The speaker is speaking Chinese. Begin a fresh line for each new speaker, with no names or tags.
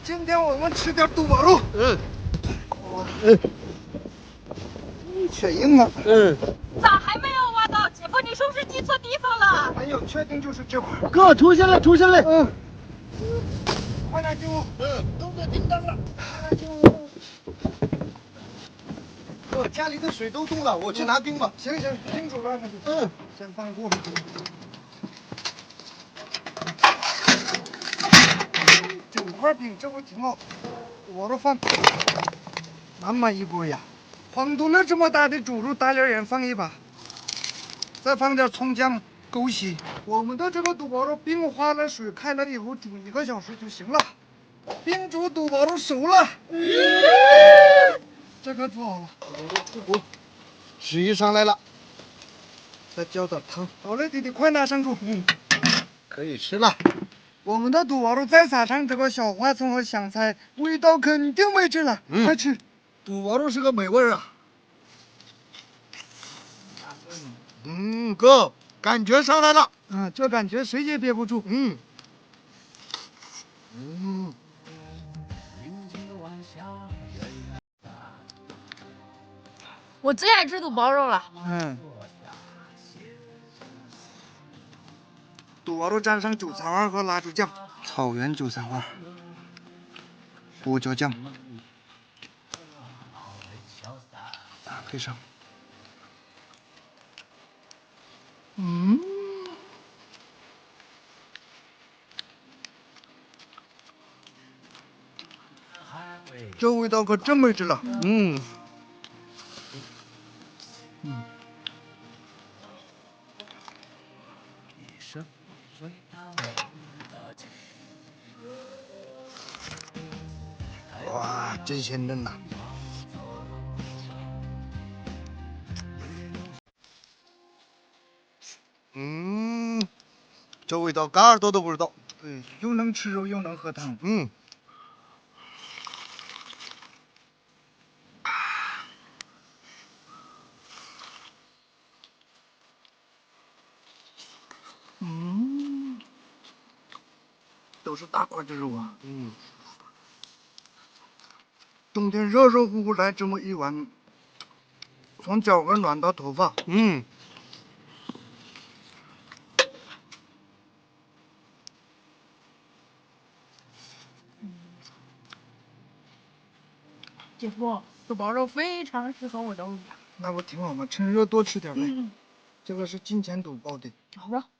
今天我们吃点肚包肉。你确定吗？
咋还没有挖到？姐夫，你是不是记错地方了？
没有，确定就是这块。
哥，出现了，出现了。
快点进屋。
动作停当了。
快点进屋。哥，家里的水都冻了，我去拿冰吧。行，冰煮了那就。先放锅。整块冰，这不挺好？我都放那么一锅呀。黄肚了这么大的猪肉，大料也放一把，再放点葱姜、枸杞。我们的这个肚包肉冰化了水开了以后煮1个小时就行了。冰煮肚包肉熟了，这可煮好了。水上来了，再浇点汤。好了，弟弟，快拿上桌。
可以吃了。
我们的肚包肉再撒上这个小花葱和香菜，味道肯定没劲了。快吃！
肚包肉是个美味啊。哥，感觉上来了。
这感觉谁也憋不住。
我最爱吃肚包肉了。
肚包肉蘸上韭菜花和辣椒酱，草原韭菜花，胡椒酱，配上。这味道可真没劲了。哇，真鲜嫩呐！
这味道嘎耳朵都不知道。
对，又能吃肉又能喝汤。都是大块的肉啊。冬天热热乎乎来这么一碗，从脚跟暖到头发。
姐夫，肚包肉非常适合我的胃呀。
那不挺好吗？趁热多吃点呗。这个是金钱肚包的。
好的。